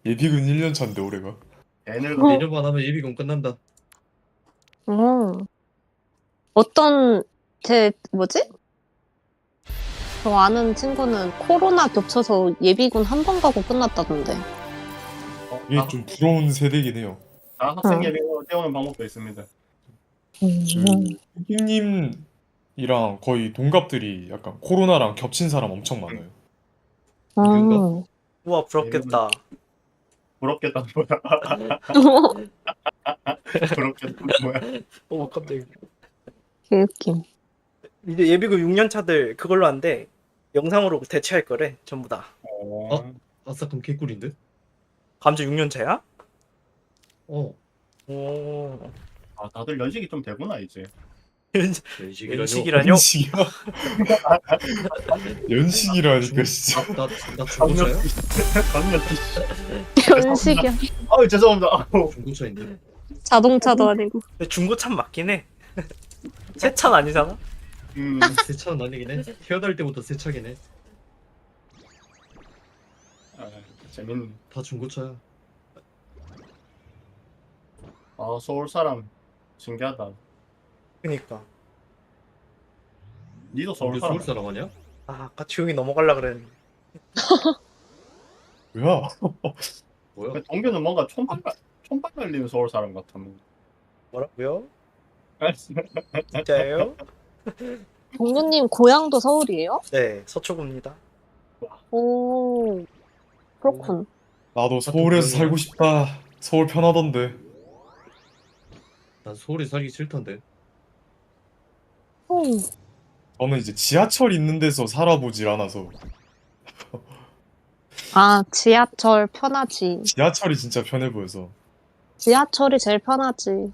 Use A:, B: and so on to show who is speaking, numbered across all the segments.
A: 예비군 1년 차인데 올해가.
B: 애들
C: 내년만 하면 예비군 끝난다.
D: 어떤 제 뭐지? 저 아는 친구는 코로나 겹쳐서 예비군 한 번 가고 끝났다던데.
A: 이게 좀 부러운 세대긴 해요.
B: 학생 예비군 때우는 방법도 있습니다.
A: 형님이랑 거의 동갑들이 약간 코로나랑 겹친 사람 엄청 많아요.
E: 우와 부럽겠다.
B: 부럽겠다 뭐야? 부럽겠다 뭐야?
E: 오 깜짝이야.
D: 개웃김.
E: 이제 예비군 6년 차들 그걸로 한대. 영상으로 대체할 거래 전부 다.
C: 아싸 그럼 개꿀인데?
E: 감자 6년 차야?
C: 어.
E: 오.
B: 아 다들 연식이 좀 되구나 이제.
C: 연식이라뇨.
E: 연식이라뇨?
A: 연식이야? 연식이라니까 진짜.
C: 나 중고차야?
B: 강력.
D: 연식이야.
B: 아우 죄송합니다. 아우.
C: 중고차인데.
D: 자동차도 아니고.
E: 근데 중고차 맞긴 해. 새 차는 아니잖아.
C: 새 차는 아니긴 해. 태어날 때부터 새 차긴 해.
B: 아, 재밌네.
C: 다 중고차야.
B: 아 서울 사람 신기하다.
E: 그니까.
B: 니도 서울
C: 우리
B: 사람.
C: 서울 사람 아니야?
E: 아 아까 조용히 넘어가려 그랬는데.
A: 뭐야?
C: 뭐야?
B: 동규는 뭔가 촌발 날리는 서울 사람 같았네.
E: 뭐라고요? 진짜예요?
D: 동구님 고향도 서울이에요?
E: 네 서초구입니다.
D: 오, 그렇군.
A: 나도 서울에서 살고 싶다. 서울 편하던데.
C: 난 서울에 살기 싫던데.
A: 저는 이제 지하철 있는 데서 살아보질 않아서.
D: 아, 지하철 편하지.
A: 지하철이 진짜 편해 보여서.
D: 지하철이 제일 편하지.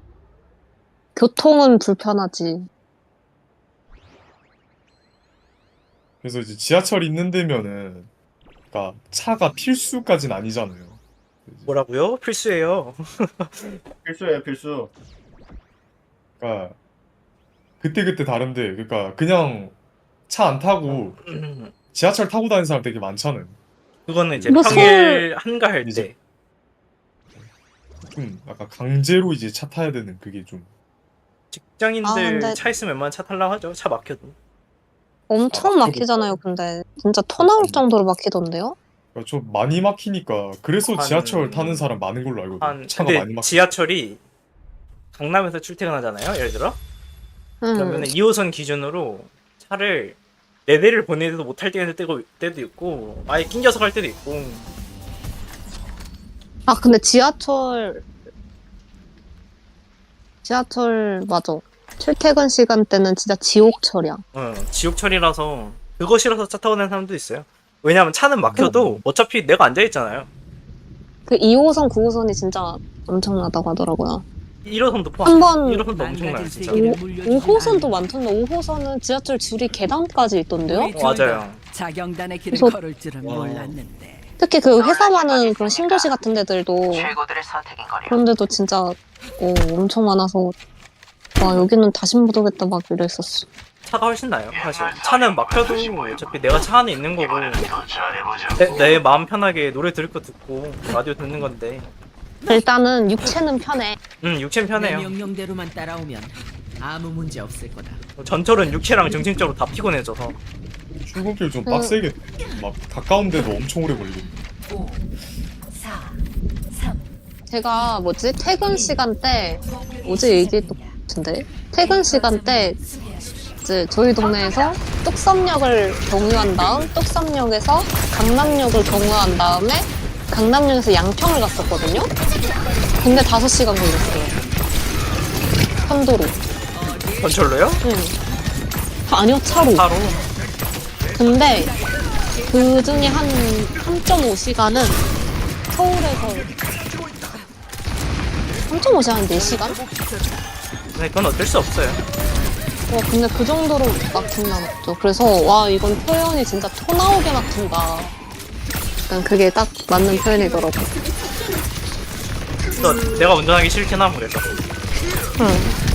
D: 교통은 불편하지.
A: 그래서 이제 지하철 있는 데면은 그러니까 차가 필수까지는 아니잖아요.
E: 뭐라고요? 필수예요.
B: 필수예요 필수.
A: 그러니까 그때그때 다른데 그러니까 그냥 차 안 타고 지하철 타고 다니는 사람 되게 많잖아요.
E: 그거는 이제
D: 뭐
E: 평일 한가할
A: 이제-
E: 때.
A: 좀 약간 강제로 이제 차 타야 되는 그게 좀
E: 직장인들
D: 근데-
E: 차 있으면 웬만하면 차 타려고 하죠. 차 막혀도.
D: 엄청 막히잖아요, 근데. 진짜 토 나올 정도로 막히던데요?
A: 그러니까 좀 많이 막히니까 그래서
E: 한-
A: 지하철 타는 사람 많은 걸로 알거든요. 차가
E: 근데
A: 많이 막혀.
E: 지하철이 강남에서 출퇴근하잖아요. 예를 들어. 그러면 2호선 기준으로 차를 4대를 보내도 못할 때도 있고 아예 낑겨서 갈 때도 있고.
D: 아, 근데 지하철, 맞아. 출퇴근 시간대는 진짜 지옥철이야.
E: 지옥철이라서 그거 싫어서 차 타고 다니는 사람도 있어요. 왜냐면 차는 막혀도 어차피 내가 앉아있잖아요.
D: 그 2호선, 9호선이 진짜 엄청나다고 하더라고요.
E: 1호선도 포함.
D: 한 번-
E: 1호선도 엄청나요 진짜.
D: 5호선도 많던데, 5호선은 지하철 줄이 계단까지 있던데요?
E: 맞아요.
F: 자경단의 길을
D: 그래서-
F: 걸을 줄은
C: 와.
F: 몰랐는데.
D: 특히 그 회사 많은 그런 신도시 같은 데들도
G: 최고들의 선택인 거려.
D: 그런데도 진짜 엄청 많아서 와, 여기는 다시 못 오겠다 막 이랬었어.
E: 차가 훨씬 나아요 사실. 차는 막혀도 어차피 내가 차 안에 있는 거고
G: 이번엔 더 잘해보자.
E: 내 마음 편하게 노래 들을 거 듣고 라디오 듣는 건데.
D: 일단은 육체는 편해.
E: 육체는
F: 내
E: 편해요.
F: 명령대로만 따라오면 아무 문제 없을 거다.
E: 전철은 육체랑 정신적으로 다 피곤해져서.
A: 출근길 좀 빡세겠네. 막 가까운데도 엄청 오래 걸리겠네.
G: 5, 4, 3.
D: 제가 뭐지? 퇴근 시간대 어제 얘기했던 것 같은데 퇴근 시간대 이제 저희 동네에서 뚝섬역을 경유한 다음 뚝섬역에서 강남역을 경유한 다음에 강남역에서 양평을 갔었거든요. 근데 5시간 걸렸어요. 편도로.
E: 전철로요?
D: 응. 아니요, 차로.
E: 차로.
D: 근데 그 중에 한 3.5시간은 서울에서 3.5시간 4시간?
E: 네, 그건 어쩔 수 없어요.
D: 근데 그 정도로 막힌다 맞죠. 그래서 와, 이건 표현이 진짜 토 나오게 막힌다. 약간 그게 딱 맞는 표현이더라고.
E: 그래서 내가 운전하기 싫긴 함 그래서.
D: 응.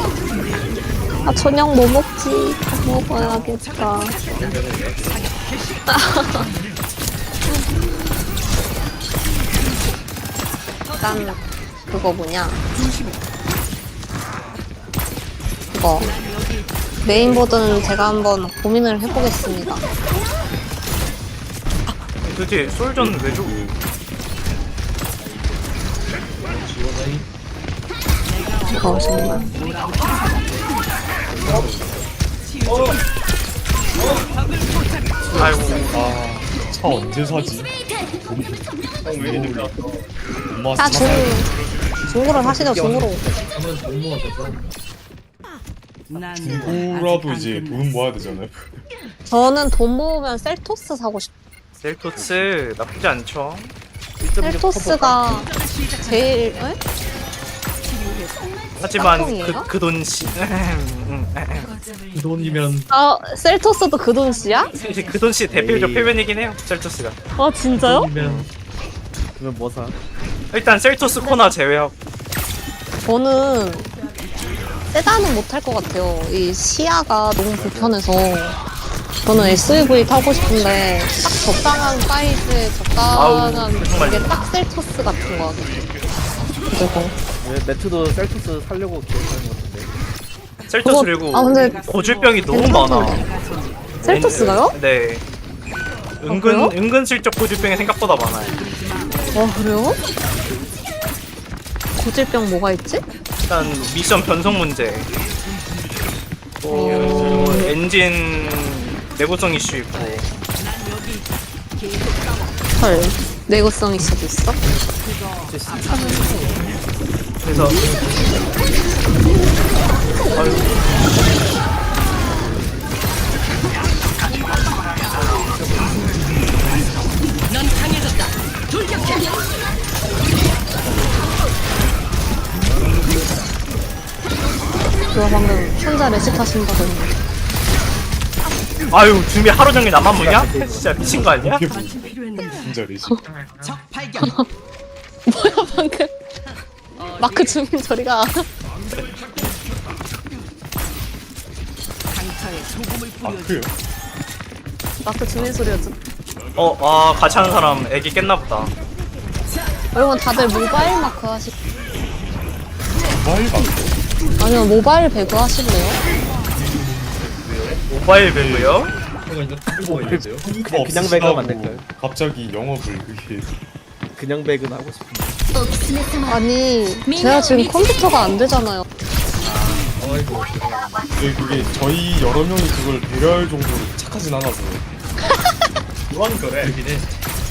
D: 아, 저녁 뭐 먹지? 밥 먹어야겠다. 일단 그거 뭐냐 이거 메인보드는 제가 한번 고민을 해보겠습니다.
E: 도대체 솔전은 왜 줘?
C: 지원하이.
D: 이거 정말
E: 아이고
A: 차 언제 사지?
B: 형왜 이렇게 왔어?
A: 엄마
D: 다
A: 차 사야 돼.
D: 중고로 사시죠 중고로.
C: 하면 돈 모아서
F: 난
A: 중고라도 이제 돈 모아야 되잖아요.
D: 저는 돈 모으면 셀토스 사고 싶어요.
E: 셀토스 나쁘지 않죠.
D: 셀토스가 제일 에?
E: 하지만
D: 짝퉁이에요?
E: 그 돈씨
C: 그 돈이면
D: 아 셀토스도 그 돈씨야?
E: 그 돈씨 대표적
C: 에이.
E: 표현이긴 해요. 셀토스가.
D: 아 진짜요?
C: 돈이면
H: 그러면 뭐 사?
E: 일단 셀토스 코나 제외하고
D: 저는 세단은 못할 것 같아요. 이 시야가 너무 불편해서 저는 SUV 타고 싶은데 딱 적당한 사이즈에 적당한
E: 아우, 정말.
D: 게 딱 셀토스 같은 거 같아요. 그리고
H: 왜 매트도 셀토스 살려고 계획하는 것 같은데.
E: 셀토스
D: 그거-
E: 그리고
D: 아, 근데
E: 고질병이 너무 많아.
D: 셀토스가요?
E: 네.
D: 그래요?
E: 은근슬쩍 고질병이 생각보다 많아요.
D: 와 그래요? 고질병 뭐가 있지?
E: 일단 미션 변속 문제. 또 엔진 내구성 이슈 있고.
D: 헐 내구성 이슈도 있어?
E: 그래서
D: 그거 방금 혼자 레식 하신다고 했는데
E: 아유 준비 하루 종일 나만 보냐? 진짜 미친 거 아니야?
A: 이게 뭐 진짜 리지.
F: 적 발견.
D: 뭐야 방금 마크 주민 저리가
F: 강타에 소금을
A: 아
F: 뿌려.
A: 그래요?
D: 마크 주민 소리였죠.
E: 같이 하는 사람 애기 깼나 보다.
D: 여러분 다들 모바일 마크 하시
A: 모바일 방
D: 아니면 모바일 배그 하실래요?
E: 모바일 배그요?
C: 제가 이제 컴퓨터가 있는데요.
A: 컴퓨터
H: 그냥
A: 없으시다고
H: 배그하면 안 될까요?
A: 갑자기 영업을 그게
H: 그냥 배그는 하고 싶은데.
D: 아니 제가 지금 컴퓨터가 안 되잖아요.
C: 아이고
A: 그게 저희 여러 명이 그걸 배려할 정도로 착하진 않아서
B: 이건 그래.
C: 그러긴 해.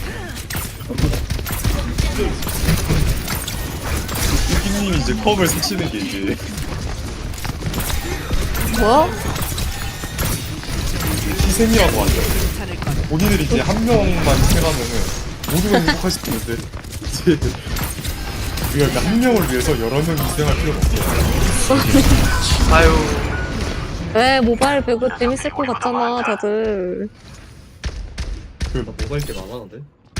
A: 유기님이 이제 컵을 사시는 게 이제
D: 뭐야?
A: 희생이라고 하죠. 본인들이 이제 한 명만 희생하면은 모두가 행복할 수 있는데 이제 우리가 한 명을 위해서 여러 명 희생할 필요가 없어요.
E: 아유
D: 왜 모바일 배그 재밌을 것 같잖아 다들.
C: 나 모바일 게임 안 하는데.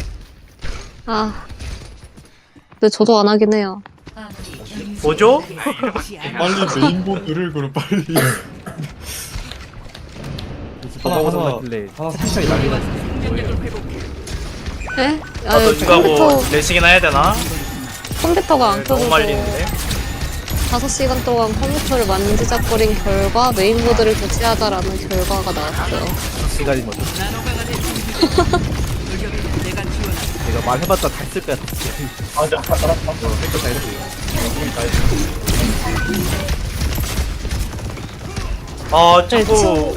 D: 아 근데 저도 안 하긴 해요.
E: 뭐죠?
A: 빨리 메인보드를 그럼 빨리
H: 버벅버벅 플레이.
A: 하나
H: 채팅창이 난리 났어.
D: 에?
E: 나도 누가 뭐 레식이나 해야 되나?
D: 컴퓨터가 안
E: 너무
D: 켜져서
E: 말리는데.
D: 5시간 동안 컴퓨터를 만지작거린 결과 메인보드를 교체하자라는 결과가 나왔어요.
H: 시간이 뭐죠? 내가 말해봤자 다 쓸 거야.
B: 맞아.
H: 다 했지.
D: 네,
E: 자꾸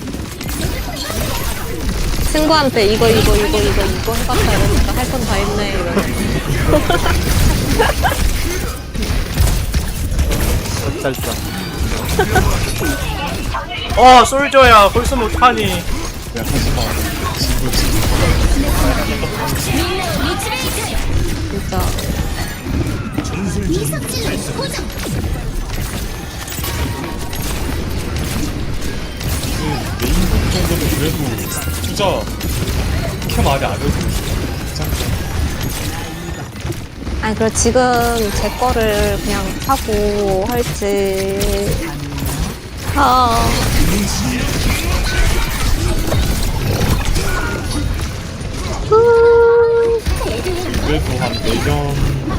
D: 친구한테 이거 해봤다 이러니까 할 건 다 했네 이러면서.
H: 짤짤.
E: 솔저야 벌써 못하니.
A: 야 하지마 지구
D: 진짜
A: 메인보드 정도는 그래도 투자 캠 안에 안 해도 괜찮죠.
D: 아니 그래 지금 제 거를 그냥 사고 할지
A: 그래도 한 내년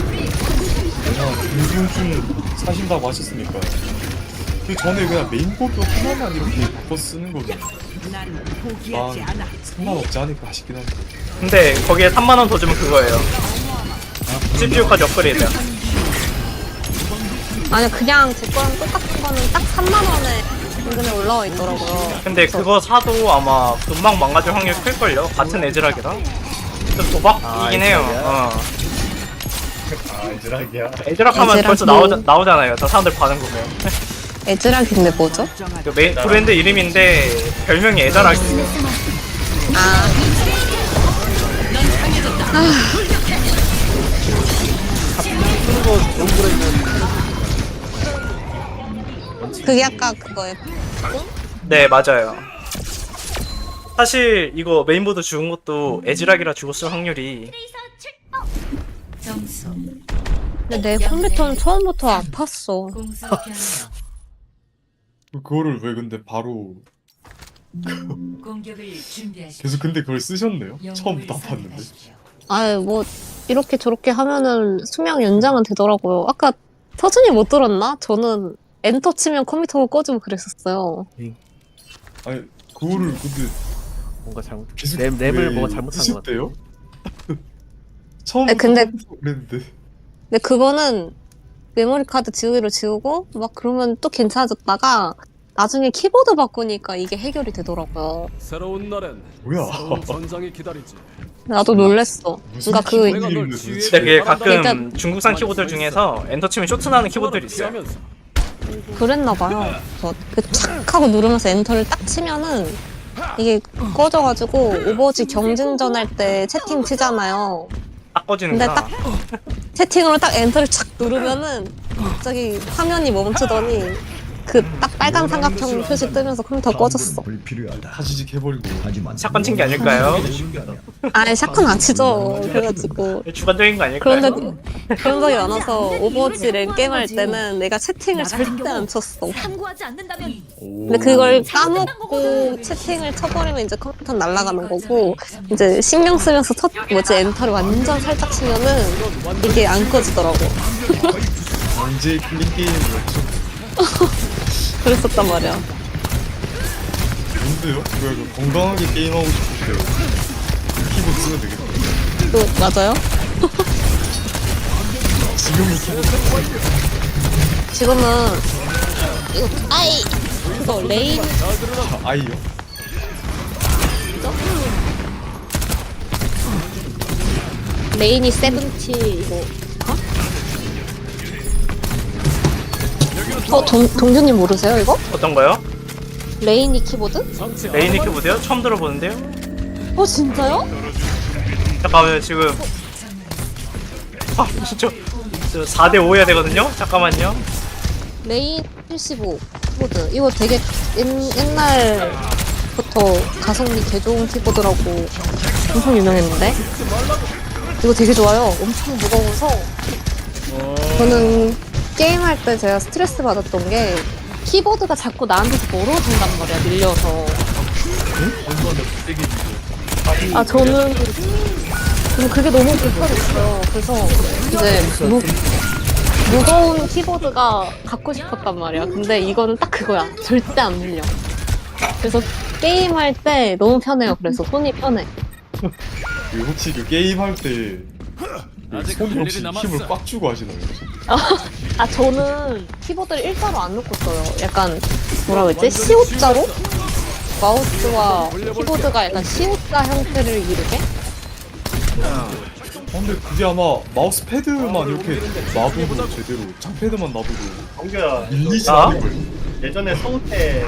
A: 중순쯤 사신다고 하셨으니까 그 전에 그냥 메인보드 하나만 이렇게 바꿔 쓰는 거는
F: 난 포기하지
A: 아
F: 않아.
A: 상관없지 않을까 싶긴 한데.
E: 근데 거기에 3만원 더 주면 그거예요. CPU까지 업그레이드야.
D: 아니 그냥 제 거랑 똑같은 거는 딱 3만 원에 인근에 올라와 있더라고요.
E: 근데 그거 사도 아마 금방 망가질 확률이 클걸요? 같은 에즈락이라. 좀 도박이긴 해요.
B: 아 이즈락이야.
E: 에즈락 하면
D: 에즈락이-
E: 벌써 나오잖아요. 저 사람들 반응 보면.
D: 에즈락인데 뭐죠?
E: 그 브랜드 이름인데 별명이 에즈락이에요.
D: 아 그게 아까 그거예요.
E: 네, 맞아요. 사실 이거 메인보드 죽은 것도 에즈락이라 죽었을 확률이
G: 점수
D: 근데 내 컴퓨터는 처음부터 아팠어.
G: 공수 변경
A: 그거를 왜 근데 바로
G: 공격을 준비하십시오.
A: 계속 근데 그걸 쓰셨네요? 처음부터
G: 영웅을
A: 아팠는데.
G: 선택하십시오.
D: 아유 뭐 이렇게 저렇게 하면은 수명 연장은 되더라고요. 아까 서준이 못 들었나? 저는 엔터 치면 컴퓨터가 꺼지고 그랬었어요.
A: 아니 그거를 근데
H: 뭔가 잘못.
A: 계속
H: 랩을
A: 왜
H: 뭐가 잘못한 것 같아.
A: 쓰셨대요? 처음부터
D: 근데-
A: 그랬는데
D: 근데 그거는 메모리 카드 지우기로 지우고 막 그러면 또 괜찮아졌다가 나중에 키보드 바꾸니까 이게 해결이 되더라고요.
I: 새로운 날엔
A: 뭐야?
I: 새로운 전장이 기다리지.
D: 나도 놀랬어.
A: 무슨
D: 그러니까 그
A: 키보드
I: 널
A: 이름인데
I: 지휘해
A: 도대체.
E: 근데 그게 가끔
D: 일단-
E: 중국산 키보드 중에서 엔터 치면 쇼트 나는 키보드들이 있어요.
I: 피하면서
D: 그랬나 봐요. 그착 하고 누르면서 엔터를 딱 치면은 이게 꺼져가지고 오버워치 경쟁전 할 때 채팅 치잖아요.
E: 딱 꺼지는구나.
D: 근데 채팅으로 딱 엔터를 착 누르면은 갑자기 화면이 멈추더니 그 딱 빨간 삼각형 표시 뜨면서 컴퓨터 꺼졌어.
A: 다시직 해버리고.
E: 사건 친 게 아닐까요?
D: 아니 샷건 안 치죠. 그래가지고
E: 주관적인 거 아닐까요?
D: 그런 적이 많아서 오버워치 랭 게임 할 때는 내가 채팅을 절대 안 쳤어.
G: 참고하지 않는다면
D: 근데 그걸 까먹고 채팅을 쳐버리면 이제 컴퓨터 날아가는 거고 이제 신경 쓰면서 엔터를 완전 살짝 치면은 이게 안 꺼지더라고.
A: 언제 클린 게임이었죠?
D: 그랬었단 말이야.
A: 뭔데요? 그 건강하게 게임하고 싶을 때 키보드 쓰면 되겠다.
D: 또 맞아요?
A: 지금은 키보드
D: 지금은 이거 그거 레인
A: 아이요?
D: 레인이 세븐티 이거 동준님 모르세요 이거?
E: 어떤 거요?
D: 레인이 키보드?
E: 레이니 키보드요? 처음 들어보는데요?
D: 진짜요?
E: 잠깐만요, 지금. 아, 진짜. 저 4대5 해야 되거든요? 잠깐만요.
D: 레인 75 키보드 이거 되게 옛날부터 가성비 개 좋은 키보드라고 엄청 유명했는데 이거 되게 좋아요. 엄청 무거워서 저는 게임할 때 제가 스트레스 받았던 게 키보드가 자꾸 나한테서 멀어진단 말이야 밀려서. 저는 그게 너무 불편했어요. 그래서 이제 무거운 키보드가 갖고 싶었단 말이야. 근데 이거는 딱 그거야. 절대 안 밀려. 그래서 게임할 때 너무 편해요. 그래서 손이 편해.
A: 그 혹시 그 게임할 때
I: 아직
A: 손이
I: 할
A: 혹시
I: 일이 남았어.
A: 힘을 꽉 주고 하시나요?
D: 저는 키보드를 일자로 안 놓고 써요. 약간 뭐라 그랬지? C자로? 마우스와 키보드가 약간 C자 형태를 이루게?
A: 근데 그게 아마 마우스 패드만 이렇게 놔둬도 제대로 장패드만 놔둬도
B: 정규야
A: 밀리지
E: 아?
A: 않을 거예요.
B: 예전에 서울대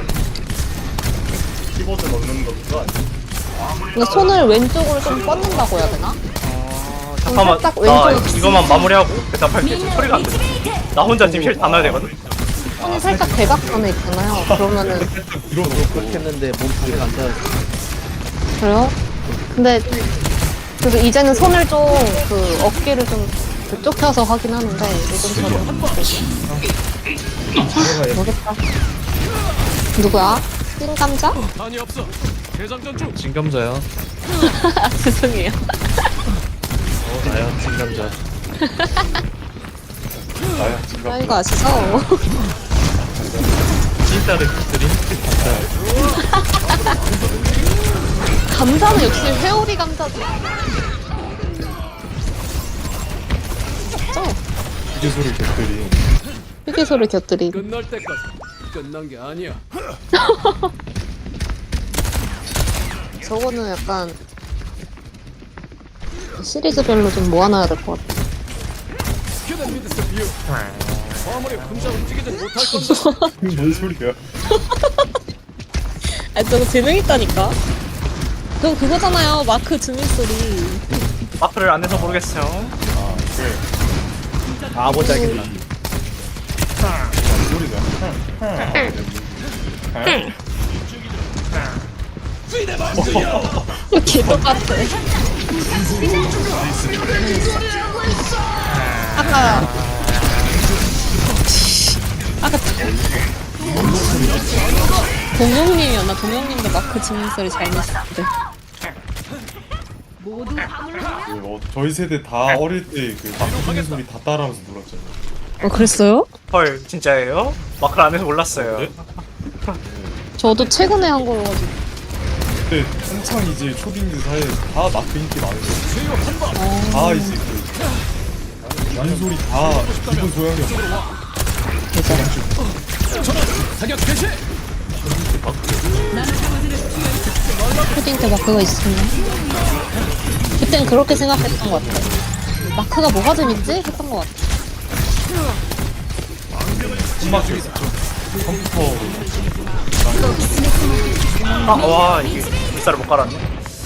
B: 키보드 넣는 거 그거 아니야?
D: 그러니까 손을 왼쪽으로 좀 뻗는다고 해야 되나?
E: 잠깐만.
D: 살짝
E: 나
D: 왼쪽으로
E: 이거만 마무리하고 대답할게. 지금 소리가 안 들려. 나 혼자 지금 힐 다 넣어야 되거든?
D: 손이 살짝 대각선에 있잖아요. 그러면은
A: 밀어넣고
H: 했는데 몸 자세가 안 돼.
D: 그래요? 근데 그래서 이제는 손을 좀 그 어깨를 좀 좁혀서 하긴 하는데 예전처럼 모르겠다. 누구야? 찐감자?
I: 단이 없어. 대장전 중.
C: 진감자야.
D: 죄송해요.
C: 나야 진감자.
A: 나야 지금
D: 아, 이거 아시죠?
C: 찐따를 드림.
D: 감자는 역시 회오리 감자죠.
A: 휴게소를 곁들인
D: 휴게소를 곁들인.
I: 끝날 때까지 끝난 게 아니야.
D: 저거는 약간 시리즈별로 좀 모아놔야 될 것 같아.
I: 그대 믿으세 비유. 아무리 혼자 움직이진 못할 건데.
A: 뭔 소리야?
D: 아, 저거 재능 있다니까. 그거 그거잖아요. 마크 주민 소리.
E: 마크를 안 해서 모르겠어요.
A: 아, 네.
H: 아 뭔지 알겠다.
A: 뭔 소리냐?
D: 개 똑같아. 아까 동영님이었나? 동영님도 마크 주민 소리 잘 내시는데.
A: 저희 세대 다 어릴 때 그 막히는 소리 다 따라하면서 놀았잖아요.
D: 그랬어요?
E: 헐 진짜예요? 마크를 안 해서 몰랐어요.
D: 저도 최근에 한 거로 가지고.
A: 그때 한창 이제 초딩들 사이에 다 마크 인기 많은데 다 이제 그 주민 소리 다 기본 소양이었어.
I: 사격 개시.
D: 초딩 때 마크가 있었나? 그땐 그렇게 생각했던 것 같아. 마크가 뭐가 재밌지? 했던 것 같아.
A: 콤마도 있었죠. 컴퓨터로
E: 와 이게 물살을 못 깔았네.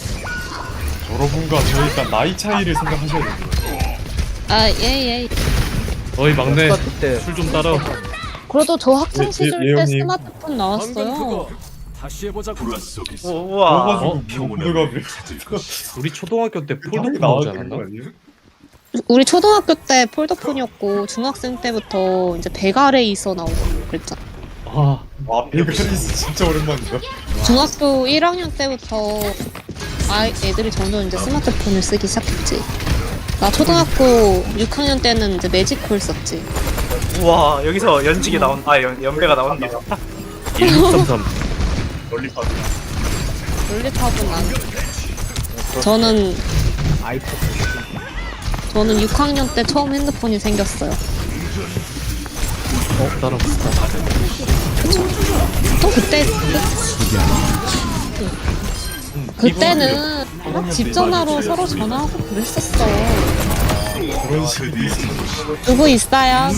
A: 여러분과 저 일단 나이 차이를 생각하셔야 돼요.
D: 아, 예.
C: 어이 막내
H: 그때
C: 술 좀 따라.
D: 그래도 저 학창 시절 때
A: 예언님.
D: 스마트폰
I: 방금
D: 나왔어요.
I: 그거 다시 해보자고.
E: 우와.
A: 그래가지고 뭔가 그래.
C: 우리 초등학교 때
A: 폴더폰
C: 폴더폰 나오지
A: 나오지
C: 않았나?
A: 않았나? 아니에요?
D: 우리 초등학교 때 폴더폰이었고 중학생 때부터 이제 베가레이서 나오고 그랬잖아.
C: 아
A: 와 베가리스 진짜 오랜만이다.
D: 중학교 1학년 때부터 애들이 점점 이제 스마트폰을 쓰기 시작했지. 나 초등학교 6학년 때는 이제 매직콜 썼지.
E: 우와 여기서 연직이 연배가 나온다.
C: 1633.
A: 롤리팝.
D: 롤리팝은 안. 저는
H: 아이폰.
D: 저는 6학년 때 처음 핸드폰이 생겼어요.
C: 나랑 비슷하다.
D: 또 그때는 막 집 전화로 서로 전화하고 그랬었어.
A: 그런 식으로
D: 누구 있어요?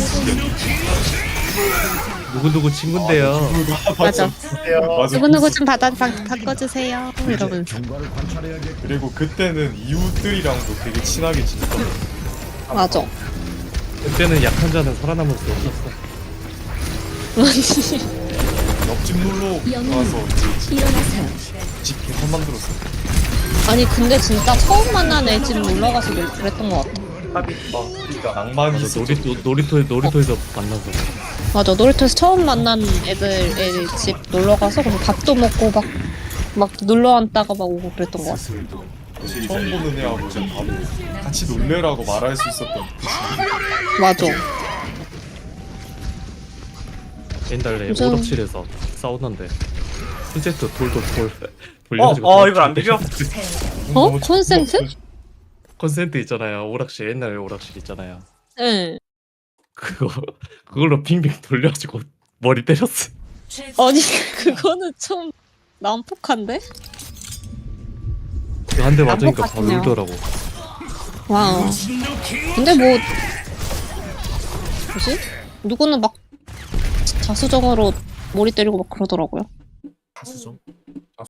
C: 누구누구 친구인데요.
D: 맞아.
A: 맞아.
D: 누구누구 좀 바꿔주세요. 이러면서.
A: 그리고 그때는 이웃들이랑도 되게 친하게 지냈던.
D: 맞아.
C: 그때는 약한 자는 살아남을 수 없었어.
A: 옆집 놀러 가서 이제 집 개판 만들었어.
D: 아니 근데 진짜 처음 만난 애 집 놀러가서 그랬던 것 같아.
A: 낭만이
C: 맞아,
A: 있어.
C: 놀이터에서 만나서.
D: 맞아. 놀이터에서 처음 만난 애 집 놀러가서 그래서 밥도 먹고 막 놀러 앉다가 막 오고 그랬던 것 같아.
A: 처음 보는 애하고 이제 바로 같이 놀래라고 말할 수 있었던 뜻이.
D: 맞아.
C: 옛날에
D: 요즘-
C: 오락실에서 싸우는데 콘센트 돌 돌려가지고
E: 이걸 안 비벼?
D: 어? 콘센트?
C: 콘센트 있잖아요. 오락실 옛날에 오락실 있잖아요.
D: 응.
C: 그걸로 빙빙 돌려가지고 머리 때렸어.
D: 아니 그거는 좀 난폭한데?
C: 한 대 맞으니까 바로
D: 난폭하시네요.
C: 울더라고.
D: 와. 근데 뭐 뭐지? 누구는 막 자수정으로 머리 때리고 막 그러더라고요.
A: 가수죠.